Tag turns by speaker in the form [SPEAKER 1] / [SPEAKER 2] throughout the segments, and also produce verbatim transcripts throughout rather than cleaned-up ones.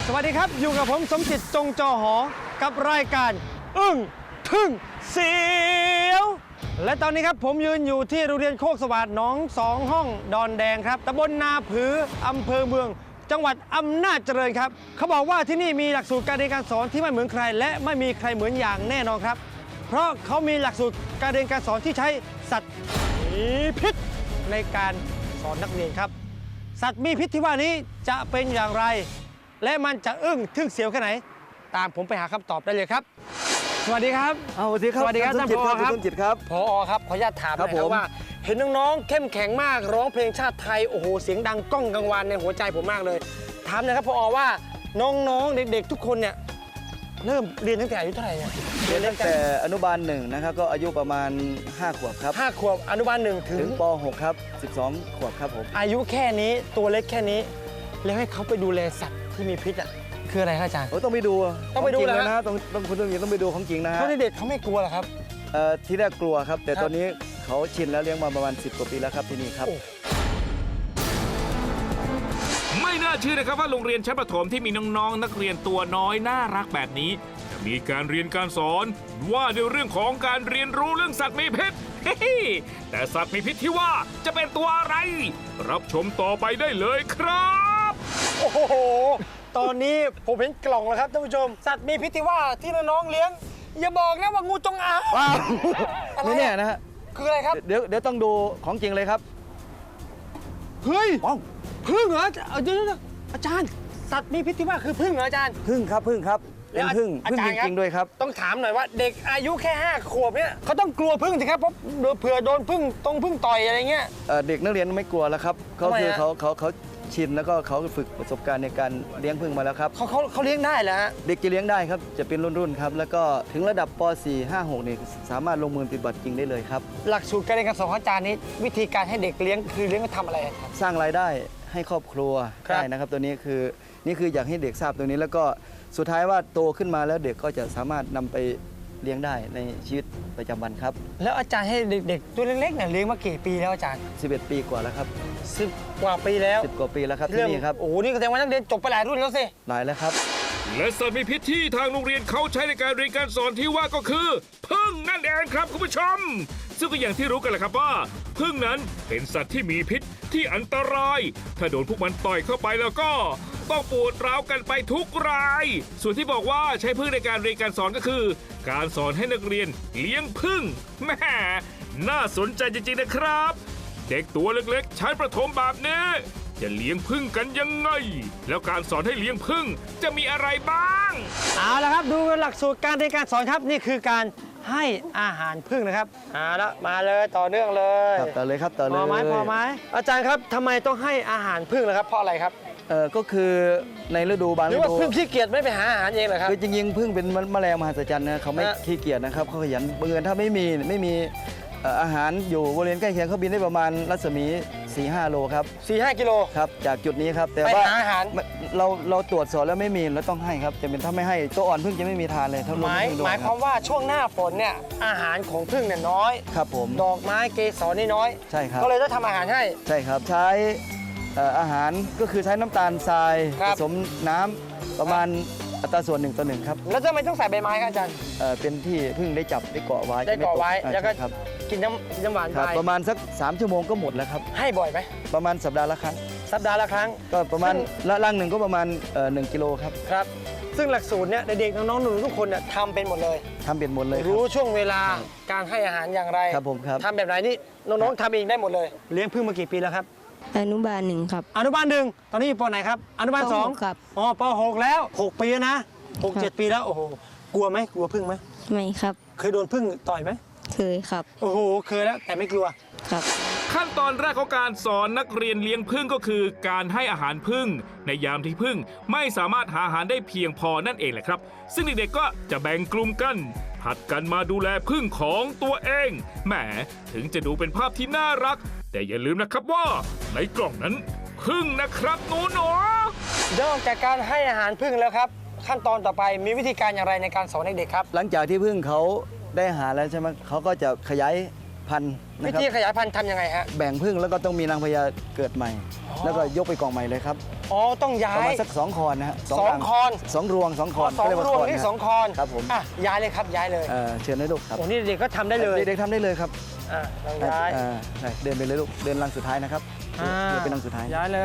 [SPEAKER 1] สวัสดีครับอยู่กับผมสมจิตจงจอหอกับรายการอึ้งทึ่งเสียวและตอนนี้ครับผมยืนอยู่ที่โรงเรียนโคกสวัสดิ์หนองสองห้องดอนแดงครับตำบลนาผืออำเภอเมืองจังหวัดอำนาจเจริญครับเขาบอกว่าที่นี่มีหลักสูตรการเรียนการสอนที่ไม่เหมือนใครและไม่มีใครเหมือนอย่างแน่นอนครับเพราะเขามีหลักสูตรการเรียนการสอนที่ใช้สัตว์มีพิษในการสอนนักเรียนครับสัตว์มีพิษที่ว่านี้จะเป็นอย่างไรและมันจะอึ้งทึ่งเสียวแค่ไหนตามผมไปหาคำตอบได้เลยครับสวัสดีครับ
[SPEAKER 2] สวัสดีครับ
[SPEAKER 1] สวัสดีครับท่านผอครับ
[SPEAKER 2] คุณจิตครับ
[SPEAKER 1] ผอครับขออนุญาตถามห
[SPEAKER 2] ครั
[SPEAKER 1] นะ
[SPEAKER 2] บ
[SPEAKER 1] ค
[SPEAKER 2] ผ
[SPEAKER 1] รับ
[SPEAKER 2] ม
[SPEAKER 1] ว่าเห็นน้องๆเข้มแข็งมากร้องเพลงชาติไทยโอ้โหเสียงดังก้องกังวานในหัวใจผมมากเลยถามหนะครับผอว่าน้องๆเด็กๆทุกคนเนี่ยเริ่มเรียนตั้งแต่อายุเท่าไหร่เนี่ย
[SPEAKER 2] เรียนตั้งแต่อนุบาลหนึ่งนะครับก็อายุประมาณห้าขวบครับ
[SPEAKER 1] ห้าขวบอนุบาลหนึ่งถึ
[SPEAKER 2] ถึ
[SPEAKER 1] ง
[SPEAKER 2] งป หกครับสิบสองขวบครับผม
[SPEAKER 1] อายุแค่นี้ตัวเล็กแค่นี้แล้วให้เขาไปดูแลสัตว์ที่มีพิษอ่ะคืออะไรครับอาจารย์
[SPEAKER 2] โอ้ต้องไปดู
[SPEAKER 1] ต้องไปดู
[SPEAKER 2] ขจริ
[SPEAKER 1] เหรอ
[SPEAKER 2] เลย
[SPEAKER 1] ฮะ
[SPEAKER 2] นะต้องต้องคุณต้องต้องไปดูของจริงนะฮะ
[SPEAKER 1] เขาเด็กๆเขาไม่กลัวเหรอครับ
[SPEAKER 2] เอ่อที่แรกกลัวครับ แต่
[SPEAKER 1] ครับ
[SPEAKER 2] ตอนนี้เขาชินแล้วเลี้ยงมาประมาณสิบกว่าปีแล้วครับที่นี่ครับ
[SPEAKER 1] โอ้
[SPEAKER 3] ไม่น่าเชื่อนะครับว่าโรงเรียนชั้นประถมที่มีน้องๆ นักเรียนตัวน้อยน่ารักแบบนี้จะมีการเรียนการสอนว่าในเรื่องของการเรียนรู้เรื่องสัตว์มีพิษ แต่สัตว์มีพิษที่ว่าจะเป็นตัวอะไร รับชมต่อไปได้เลยครับ
[SPEAKER 1] โอ้โห ตอนนี้ผมเห็นกล่องแล้วครับท่านผู้ชม สัตว์มีพิษที่ว่าที่น้องๆเลี้ยง อย่าบอกนะว่างูจงอาง
[SPEAKER 2] ว้าว
[SPEAKER 1] อะไร
[SPEAKER 2] ไม่แน่นะฮะ
[SPEAKER 1] คืออะไรครับ
[SPEAKER 2] เดี๋ยวเดี๋ยวต้องดูของจริงเลยครับ
[SPEAKER 1] เฮ้ย
[SPEAKER 2] ว้าว
[SPEAKER 1] พึ่งเหรอเอาเดี๋ยวๆอาจารย์ สัตว์มีพิษที่ว่าคือพึ่งเหรออาจารย์
[SPEAKER 2] พึ่งครับพึ่งครับเป็นพึ่ง
[SPEAKER 1] อา
[SPEAKER 2] พึ่ง
[SPEAKER 1] จาร
[SPEAKER 2] จ
[SPEAKER 1] ย์ครับ
[SPEAKER 2] ริงๆด้วยครับ
[SPEAKER 1] ต้องถามหน่อยว่าเด็กอายุแค่ห้าขวบเนี่ยเขาต้องกลัวพึ่งสิครับเพราะเผื่อโดนพึ่งตรงพึ่งต่อยอะไรเงี้ย
[SPEAKER 2] เอ่อเด็กนักเรียนไม่กลัวแล้วครับเขา
[SPEAKER 1] ทำไม
[SPEAKER 2] คือ
[SPEAKER 1] ฮะ
[SPEAKER 2] เขาเขาเขาชินแล้วก็เขาฝึกประสบการณ์ในการเลี้ยงผึ้งมาแล้วครับ
[SPEAKER 1] เขาเขาเขาเลี้ยงได้เหรอฮะ
[SPEAKER 2] เด็กจะเลี้ยงได้ครับจะเป็นรุ่นๆครับแล้วก็ถึงระดับป .สี่ ห้า หก นี่สามารถลงมือปฏิบัติจริงได้เลยครับ
[SPEAKER 1] หลักสูตรการเรียนการสอนของอาจารย์นี้วิธีการให้เด็กเลี้ยงคือเลี้ยงมาทำอะไรครับ
[SPEAKER 2] สร้างรายได้ให้ครอบครัว
[SPEAKER 1] ครับ
[SPEAKER 2] ได้นะครับตัวนี้คือนี่คืออยากให้เด็กทราบตรงนี้ แล้วก็สุดท้ายว่าโตขึ้นมาแล้วเด็กก็จะสามารถนำไปเลี้ยงได้ในชีวิตประจำวันครับ
[SPEAKER 1] แล้วอาจารย์ให้เด็กๆตัวเล็กๆเนี่ยเลี้ยงมากี่ปีแล้วอาจารย์
[SPEAKER 2] สิบเอ็ด ปีกว่าแล้วครับ
[SPEAKER 1] สิบกว่าปีแล้ว
[SPEAKER 2] สิบกว่าปีแล้วครับที่นี่ครับ
[SPEAKER 1] โอ้โหนี่ก็แสดงว่านักเรียนจบไปหลายรุ่นแล้วสิ
[SPEAKER 2] หลายแล้วครับ
[SPEAKER 3] และสัตว์มีพิษที่ทางโรงเรียนเขาใช้ในการเรียนการสอนที่ว่าก็คือพึ่งนั่นเองครับคุณผู้ชม ซึ่งก็อย่างที่รู้กันแหละครับว่าพึ่งนั้นเป็นสัตว์ที่มีพิษที่อันตราย ถ้าโดนพวกมันต่อยเข้าไปแล้วก็ต้องปวดร้าวกันไปทุกราย ส่วนที่บอกว่าใช้พึ่งในการเรียนการสอนก็คือ การสอนให้นักเรียนเลี้ยงพึ่งแหม่น่าสนใจจริงๆนะครับ เด็กตัวเล็กๆชั้นประถมแบบนี้จะเลี้ยงผึ้งกันยังไง แล้วการสอนให้เลี้ยงผึ้งจะมีอะไรบ้าง
[SPEAKER 1] เอาละครับดูหลักสูตรการเรียนการสอนครับนี่คือการให้อาหารผึ้งนะครับเอาละมาเลยต่อเนื่องเลย
[SPEAKER 2] ครับต่อเลยครับต่อเลย
[SPEAKER 1] พอไหมพอไหมอาจารย์ครับทำไมต้องให้อาหารผึ้งล่ะครับเพราะอะไรครับ
[SPEAKER 2] เออก็คือในฤดูบาง
[SPEAKER 1] หรื
[SPEAKER 2] ฤ
[SPEAKER 1] อว่า
[SPEAKER 2] ดู
[SPEAKER 1] ผึ้งขี้เกียจไม่ไปหาอาหารเองเหรอครับ
[SPEAKER 2] คือจริงๆพึ่งเป็นแมลงมหัศจรรย์นะเขาไม่
[SPEAKER 1] ฮะ
[SPEAKER 2] ขี้เกียจนะครับเขาขยันบังเอิญถ้าไม่มีไม่มีเอ่ออาหารอยู่บริเวณใกล้เคียงเขาบินได้ประมาณรัศมี สี่ห้า โลครับ
[SPEAKER 1] สี่ห้ากิโล
[SPEAKER 2] ครับจากจุดนี้ครับแต่
[SPEAKER 1] ไป
[SPEAKER 2] ว่า
[SPEAKER 1] หาอาหาร
[SPEAKER 2] ไม่เราเราตรวจสอบแล้วไม่มีเราต้องให้ครับจะเป็นถ้าไม่ให้ตัวอ่อนพึ่งจะไม่มีทานเลยถ้า
[SPEAKER 1] ห
[SPEAKER 2] รวม
[SPEAKER 1] มาย
[SPEAKER 2] พึ่งโดน
[SPEAKER 1] หมายความว่าช่วงหน้าฝนเนี่ยอาหารของผึ้งเนี่ยน้อย
[SPEAKER 2] ครับผม
[SPEAKER 1] ดอกไม้เกสรนี่น้อย
[SPEAKER 2] ใช่ครับ
[SPEAKER 1] ก็เลยต้องทำอาหารให้
[SPEAKER 2] ใช่ครับใช้เอ่ออาหารก็คือใช้น้ำตาลทราย
[SPEAKER 1] ครั
[SPEAKER 2] ผ
[SPEAKER 1] บ
[SPEAKER 2] สมน้ำประมาณอัตราส่วนหนึ่งต่อหนึ่งครับ
[SPEAKER 1] แล้วทำไมต้องใส่ใบไม้ครับอาจารย์
[SPEAKER 2] เอ่อเป็นที่พึ่งได้จับได้เกาะไว้
[SPEAKER 1] ได้เกาะไว้
[SPEAKER 2] ม่ต
[SPEAKER 1] แล้วก็
[SPEAKER 2] ใช่ครับ
[SPEAKER 1] กินน้ำกินน้ำหวาน
[SPEAKER 2] ค
[SPEAKER 1] ไป
[SPEAKER 2] รับประมาณสักสามชั่วโมงก็หมดแล้วครับ
[SPEAKER 1] ให้บ่อยไหม
[SPEAKER 2] ประมาณสัปดาห์ละครั้ง
[SPEAKER 1] สัปดาห์ละครั้ง
[SPEAKER 2] ก็ประมาณ
[SPEAKER 1] ซึ่ง
[SPEAKER 2] ละลังหนึ่งก็ประมาณเอ่อหนึ่งกิโลครับ
[SPEAKER 1] ครับ ซึ่งหลักสูตรเนี่ยเด็กๆน้องๆหนูๆทุกคนเนี่ยทำเป็นหมดเลย
[SPEAKER 2] ทำเป็นหมดเลยครั
[SPEAKER 1] รู้
[SPEAKER 2] บ
[SPEAKER 1] ช่วงเวลาการให้อาหารอย่างไร
[SPEAKER 2] ครับผมครับ
[SPEAKER 1] ทำแบบไหนนี่น้องๆทำเองได้หมดเลย เลี้ยงผึ้งมากี่ปีแล้วครับ
[SPEAKER 4] อนุบาลหนึ่งครับ
[SPEAKER 1] อนุบาลหนึ่งตอนนี้อยู่ปไหนครับ อนุบาล
[SPEAKER 4] ปหก
[SPEAKER 1] สอง
[SPEAKER 4] ครับ
[SPEAKER 1] อ๋อปหกแล้วหกปีแล้วนะหก
[SPEAKER 4] ครับ
[SPEAKER 1] เจ็ดปีแล้วโอ้โหกลัวไหมกลัวผึ้งไหม
[SPEAKER 4] ไม่ครับ
[SPEAKER 1] เคยโดนผึ้งต่อยไหม
[SPEAKER 4] เคยครับ
[SPEAKER 1] โอ้โหเคยแล้วแต่ไม่กลัว
[SPEAKER 4] ครับ
[SPEAKER 3] ขั้นตอนแรกของการสอนนักเรียนเลี้ยงผึ้งก็คือการให้อาหารผึ้งในยามที่ผึ้งไม่สามารถหาอาหารได้เพียงพอนั่นเองแหละครับ ซึ่งเด็กๆก็จะแบ่งกลุ่มกันผัดกันมาดูแลผึ้งของตัวเองแหมถึงจะดูเป็นภาพที่น่ารัก แต่อย่าลืมนะครับว่าในกล่องนั้นผึ้งนะครับหนูหนู
[SPEAKER 1] นอกจากการให้อาหารผึ้งแล้วครับ ขั้นตอนต่อไปมีวิธีการอย่างไรในการสอนเด็กๆครับ
[SPEAKER 2] หลังจากที่พึ่งเขาได้อาหารแล้วใช่ไหมเขาก็จะขยายพันธุ์
[SPEAKER 1] วิ
[SPEAKER 2] นะครับ
[SPEAKER 1] ธีขยายพันธุ์ทำยังไงฮะ
[SPEAKER 2] แบ่งพึ่งแล้วก็ต้องมีนางพญาเกิดใหม่ แล้วก็ยกไปกองใหม่เลยครับ
[SPEAKER 1] อ๋อต้องย้า
[SPEAKER 2] ประ
[SPEAKER 1] ย
[SPEAKER 2] มาณสักสองคอนนะฮะ
[SPEAKER 1] สอง
[SPEAKER 2] รั
[SPEAKER 1] คอน
[SPEAKER 2] สองรวงสองคอน
[SPEAKER 1] สอง
[SPEAKER 2] เยการ
[SPEAKER 1] วง
[SPEAKER 2] คอน
[SPEAKER 1] นี่
[SPEAKER 2] นะ
[SPEAKER 1] สองคอน
[SPEAKER 2] ครับผม
[SPEAKER 1] อ่ะย้ายเลยครับย้ายเลย
[SPEAKER 2] เอ่อเชิญเลยลูกครับ
[SPEAKER 1] โอ้นี่เด็กก็ทำได้เลย
[SPEAKER 2] เด็กๆทำได้เลยครับ
[SPEAKER 1] อ่ะลองย้าย
[SPEAKER 2] อ่าใช่เดินไปเลยลูกเดินรังสุดท้ายนะครับ
[SPEAKER 1] อ่า
[SPEAKER 2] เดินเป็นรังสุดท้าย
[SPEAKER 1] ย้ายเลย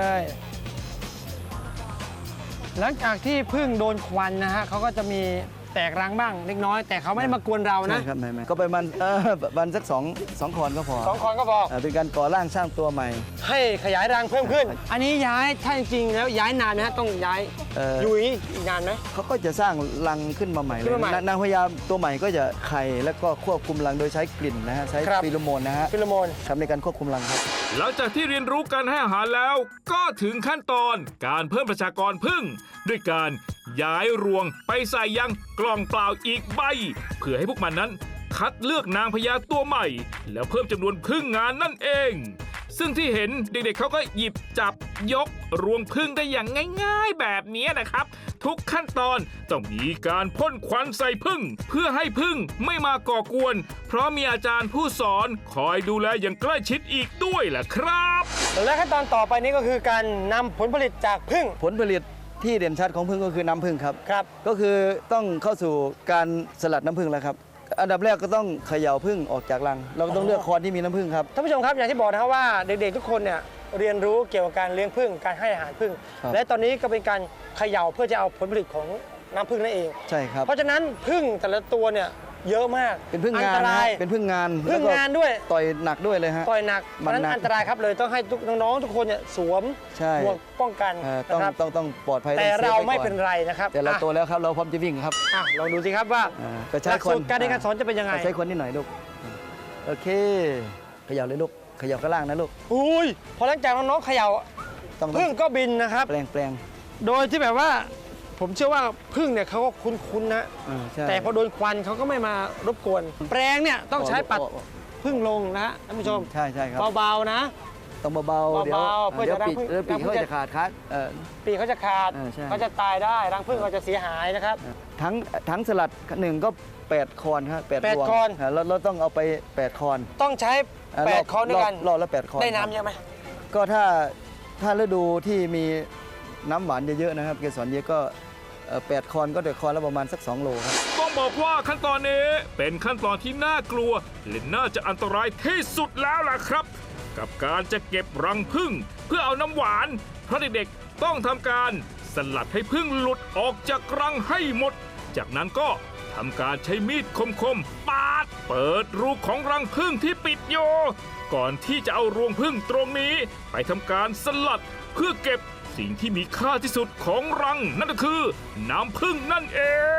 [SPEAKER 1] หลังจากที่พึ่งโดนควันนะฮะเขาก็จะมีแตกรังบ้างเล็กน้อย แต่เขาไม่ได้มากวนเรานะ
[SPEAKER 2] ใช่ครับไม่ไม่ก็ประมาณเออประมาณสักสองสองคอนก็พอ
[SPEAKER 1] สองคอนก็พอ
[SPEAKER 2] เอ่อเป็นการก่อร่างสร้างตัวใหม่
[SPEAKER 1] ให้ขยายรังเพิ่มขึ้น อันนี้ย้ายถ้าจริงๆแล้วย้ายนานไหมฮะต้องย้าย
[SPEAKER 2] เอ่อ
[SPEAKER 1] อยู่อย่างนี้อีกนานไหม
[SPEAKER 2] เขาก็จะสร้างรังขึ้นมาใหม่เล
[SPEAKER 1] ขึ้
[SPEAKER 2] ย
[SPEAKER 1] นมาใหม่
[SPEAKER 2] นางนางพญาตัวใหม่ก็จะไข่แล้วก็ควบคุมรังโดยใช้กลิ่นนะฮะใช้
[SPEAKER 1] ครับ
[SPEAKER 2] ฟีโรโมนนะฮะ
[SPEAKER 1] ฟิโลโมน
[SPEAKER 2] ทำในการควบคุมรังครับ
[SPEAKER 3] หลังจากที่เรียนรู้การให้อาหารแล้ว ก็ถึงขั้นตอนการเพิ่มประชากรผึ้งด้วยการย้ายรวงไปใส่ยังกล่องเปล่าอีกใบ เพื่อให้พวกมันนั้นคัดเลือกนางพญาตัวใหม่ แล้วเพิ่มจำนวนผึ้งงานนั่นเอง ซึ่งที่เห็นเด็กๆเขาก็หยิบจับยกรวงผึ้งได้อย่างง่ายๆแบบนี้นะครับ ทุกขั้นตอนต้องมีการพ่นควันใส่ผึ้งเพื่อให้ผึ้งไม่มาก่อกวน เพราะมีอาจารย์ผู้สอนคอยดูแลอย่างใกล้ชิดอีกด้วยแหละครับ
[SPEAKER 1] และขั้นตอนต่อไปนี้ก็คือการนำผลผลิตจากผึ้ง
[SPEAKER 2] ผลผลิตที่เด่นชัดของผึ้งก็คือน้ำผึ้งครับ
[SPEAKER 1] ครับ
[SPEAKER 2] ก็คือต้องเข้าสู่การสลัดน้ำผึ้งแล้วครับ อันดับแรกก็ต้องเขย่าผึ้งออกจากรัง เราก็ต้องเลือกคอนที่มีน้ำผึ้งครับ
[SPEAKER 1] ท่านผู้ชมครับอย่างที่บอกนะครับว่าเด็กๆทุกคนเนี่ยเรียนรู้เกี่ยวกับการเลี้ยงผึ้งการให้อาหารผึ้ง
[SPEAKER 2] ครับ
[SPEAKER 1] และตอนนี้ก็เป็นการเขย่าเพื่อจะเอาผลผลิตของน้ำผึ้งนั่นเอง
[SPEAKER 2] ใช่ครับ
[SPEAKER 1] เพราะฉะนั้นผึ้งแต่ละตัวเนี่ยเยอะมาก
[SPEAKER 2] เป็นผึ้ง
[SPEAKER 1] อั
[SPEAKER 2] งาน
[SPEAKER 1] ต
[SPEAKER 2] นะ
[SPEAKER 1] ราย
[SPEAKER 2] ฮะเป็นผึ้งงาน
[SPEAKER 1] ผึ้ง
[SPEAKER 2] แล้วก็
[SPEAKER 1] งานด้วย
[SPEAKER 2] ต่อยหนักด้วยเลยฮะ
[SPEAKER 1] ต่อยหนักเพ
[SPEAKER 2] มัน
[SPEAKER 1] ราะฉะนั้น
[SPEAKER 2] หนัก
[SPEAKER 1] อันตรายครับเลยต้องให้ทุกน้องๆทุกคนเนี่ยสวม
[SPEAKER 2] ใช่
[SPEAKER 1] หมวกป้องกัน
[SPEAKER 2] เอ่อต้อง
[SPEAKER 1] นะครับ
[SPEAKER 2] ต้องต้องปลอดภัย
[SPEAKER 1] แต่
[SPEAKER 2] องซฟ
[SPEAKER 1] เรา
[SPEAKER 2] ว้ก่อ
[SPEAKER 1] ไม่เป็นไรนะครับ
[SPEAKER 2] แต่เรา
[SPEAKER 1] อ่ะ
[SPEAKER 2] โตแล้วครับเราพร้อมจะวิ่งครับ
[SPEAKER 1] อ่ะลองดูสิครับว่า
[SPEAKER 2] อ่าก็ใช้
[SPEAKER 1] หลัก
[SPEAKER 2] คน
[SPEAKER 1] สูตรการเรียนการสอนจะเป็นยังไง
[SPEAKER 2] ใช้คนนิดหน่อยลูกโอเคเขย่าเลยลูกเขย่าข้างล่างนะลูก
[SPEAKER 1] อุ้ยพอหลังจากน้องๆเขย่า
[SPEAKER 2] ต้อง
[SPEAKER 1] ผึ้งก็บินนะครับ
[SPEAKER 2] แปลงแปลง
[SPEAKER 1] โดยที่แบบว่าผมเชื่อว่าผึ้งเนี่ยเขาก็คุ้นๆนะ
[SPEAKER 2] อ่าใช่
[SPEAKER 1] แต่พอโดนควันเขาก็ไม่มารบกวน แปรงเนี่ยต้องใช้ปัด
[SPEAKER 2] อ๋ออ๋อ
[SPEAKER 1] ผึ้งลงนะฮะท่านผู้ชม
[SPEAKER 2] ใช่ใช่ครับ
[SPEAKER 1] เบาๆนะ
[SPEAKER 2] ต้องเบาๆเดี๋ยว
[SPEAKER 1] เบาๆเพื่อ
[SPEAKER 2] เดี๋ยว
[SPEAKER 1] จะ
[SPEAKER 2] ปีก
[SPEAKER 1] รังผึ้ง
[SPEAKER 2] เออปีก
[SPEAKER 1] รังผึ้ง
[SPEAKER 2] เขา
[SPEAKER 1] จะ
[SPEAKER 2] จะขาดคัดเออ
[SPEAKER 1] ปีกเขาจะขาด
[SPEAKER 2] เออใช่
[SPEAKER 1] เขาจะตายได้รังผึ้งเขาจะเสียหายนะครับ
[SPEAKER 2] ทั้งทั้งสลัดหนึ่งก็แปดคอนครับแปด
[SPEAKER 1] แปด
[SPEAKER 2] รวง
[SPEAKER 1] คอน
[SPEAKER 2] าเราเราต้องเอาไปแปดคอน
[SPEAKER 1] ต้องใช้
[SPEAKER 2] าร
[SPEAKER 1] แป
[SPEAKER 2] ร
[SPEAKER 1] ดคอนด้วยกัน
[SPEAKER 2] รอบรอบละแปดคอน
[SPEAKER 1] ได้
[SPEAKER 2] ครับ
[SPEAKER 1] น้ำเยอะไหม
[SPEAKER 2] ก็ถ้าถ้าฤดูที่มีน้ำหวานเยอะๆนะครับเกสรเยอะก็เอ่อแปดคอนก็เดือคอนละประมาณสักสองโลครับ
[SPEAKER 3] ต้องบอกว่าขั้นตอนนี้เป็นขั้นตอนที่น่ากลัวและน่าจะอันตรายที่สุดแล้วล่ะครับ กับการจะเก็บรังผึ้งเพื่อเอาน้ำหวาน เพราะเด็กๆต้องทำการสลัดให้ผึ้งหลุดออกจากรังให้หมด จากนั้นก็ทำการใช้มีดคมๆปาด เปิดรูของรังผึ้งที่ปิดอยู่ก่อนที่จะเอารวงผึ้งตรงนี้ ไปทำการสลัดเพื่อเก็บสิ่งที่มีค่าที่สุดของรัง นั่นก็คือน้ำผึ้งนั่นเอง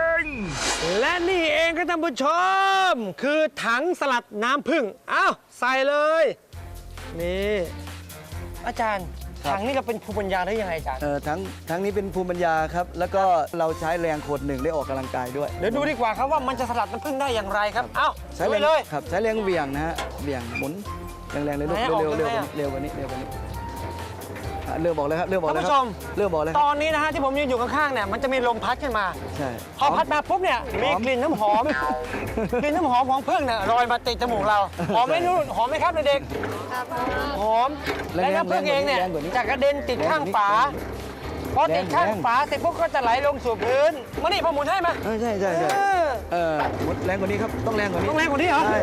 [SPEAKER 1] และนี่เองครับท่านผู้ชม คือถังสลัดน้ำผึ้งอ้าวใส่เลย นี่อาจารย์
[SPEAKER 2] ครับ
[SPEAKER 1] ถังนี่ก็เป็นภูมิปัญญาได้ยังไงอาจารย์
[SPEAKER 2] เอ่อทั้งทั้งนี้เป็นภูมิปัญญาครับแล้วก็เราใช้แรงคนหนึ่งได้ออกกำลังกายด้วย
[SPEAKER 1] เดี๋ยวดูดีกว่าครับว่ามันจะสลัดน้ำผึ้งได้อย่างไรครับเอ้า
[SPEAKER 2] ใช้
[SPEAKER 1] ดู
[SPEAKER 2] แรง
[SPEAKER 1] เลย
[SPEAKER 2] ครับใช้แรงเหวี่ยงนะฮะเหวี่ยงหมุนแรงๆเลยลูก
[SPEAKER 1] ไหนออก
[SPEAKER 2] เร็วๆเร็ว
[SPEAKER 1] ยังไงอะ
[SPEAKER 2] ๆเร็วกว่านี้เร็วกว่านี้อ่ะเริ่มบอกเลยครับเริ่มบอก
[SPEAKER 1] ท่าน
[SPEAKER 2] เลย
[SPEAKER 1] ผู้
[SPEAKER 2] ค
[SPEAKER 1] ช
[SPEAKER 2] รับ
[SPEAKER 1] ม
[SPEAKER 2] เริ่มบอกเลยค
[SPEAKER 1] ต
[SPEAKER 2] รับ
[SPEAKER 1] อนนี้นะฮะที่ผมยืนอยู่ข้างๆเนี่ยมันจะมีลมพัดขึ้นมา
[SPEAKER 2] ใช่
[SPEAKER 1] พอพัดมาปุ๊บเนี่ยมีกลิ่นน้ำหอม กลิ่นน้ำหอมของผึ้งเนี่ยลอยมาติดจมูกเราหอมไหมนุ่นหอมไหมครับเด็กๆหอมและน้ำผึ้งเองเนี่ยจะกระเด็นติดข้างฝาพอติดข้างฝาเสร็จปุ๊บก็จะไหลลงสู่พื้นมานี่พอหมุนให้มา
[SPEAKER 2] เออใช่ใช่ใช่
[SPEAKER 1] เออ
[SPEAKER 2] เออหมดแรงกว่านี้ครับต้องแรงกว่านี้
[SPEAKER 1] ต้องแรงกว่านี้เหรอ
[SPEAKER 2] ใช่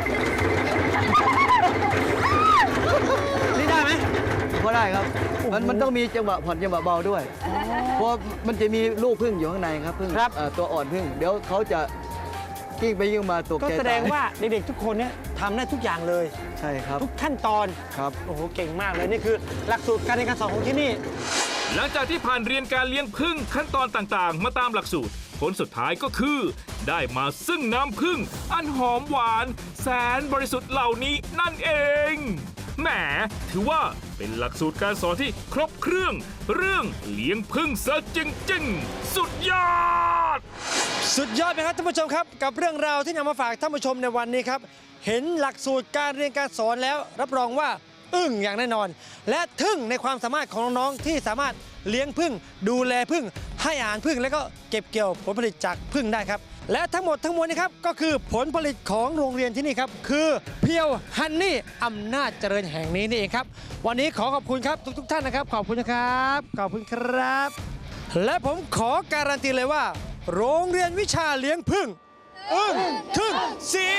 [SPEAKER 1] นี่ได้ไหม
[SPEAKER 2] พอได้ครับมันมันต้องมีจังหวะผ่อนจังหวะเบาด้วยเพราะมันจะมีลูกผึ้งอยู่ข้างในครับผึ้งเอ่อตัวอ่อนผึ้งเดี๋ยวเขาจะกิ้งไปยิ่งมาตก
[SPEAKER 1] ก็
[SPEAKER 2] ใจ
[SPEAKER 1] แสดง
[SPEAKER 2] ตย
[SPEAKER 1] ว่าเด็กๆทุกคนเนี่ยทำได้ทุกอย่างเลย
[SPEAKER 2] ใช่ครับ
[SPEAKER 1] ทุกขั้นตอน
[SPEAKER 2] ครับ
[SPEAKER 1] โอ้โหเก่งมากเลยนี่คือหลักสูตรการเรียนการสอนของที่นี่
[SPEAKER 3] หลังจากที่ผ่านเรียนการเลี้ยงผึ้งขั้นตอนต่างๆ มาตามหลักสูตร ผลสุดท้ายก็คือ ได้มาซึ่งน้ำผึ้งอันหอมหวาน แสนบริสุทธิ์เหล่านี้นั่นเองแหมถือว่าเป็นหลักสูตรการสอนที่ครบเครื่อง เรื่องเลี้ยงผึ้งซะจริงๆ สุดยอด
[SPEAKER 1] สุดยอดไหมครับท่านผู้ชมครับ กับเรื่องราวที่นำมาฝากท่านผู้ชมในวันนี้ครับ เห็นหลักสูตรการเรียนการสอนแล้ว รับรองว่าอึ้งอย่างแน่นอน และทึ่งในความสามารถของน้องๆที่สามารถเลี้ยงผึ้งดูแลผึ้งให้อาหารผึ้งแล้วก็เก็บเกี่ยวผลผลิตจากผึ้งได้ครับและทั้งหมดทั้งมวลนี้ครับก็คือผลผลิตของโรงเรียนที่นี่ครับคือเพียวฮันนี่อำนาจเจริญแห่งนี้นี่เองครับวันนี้ขอขอบคุณครับทุกๆท่านนะครับขอบคุณนะครับขอบคุณครับ และผมขอการันตีเลยว่า โรงเรียนวิชาเลี้ยงผึ้งอึ้งทึ่งเสี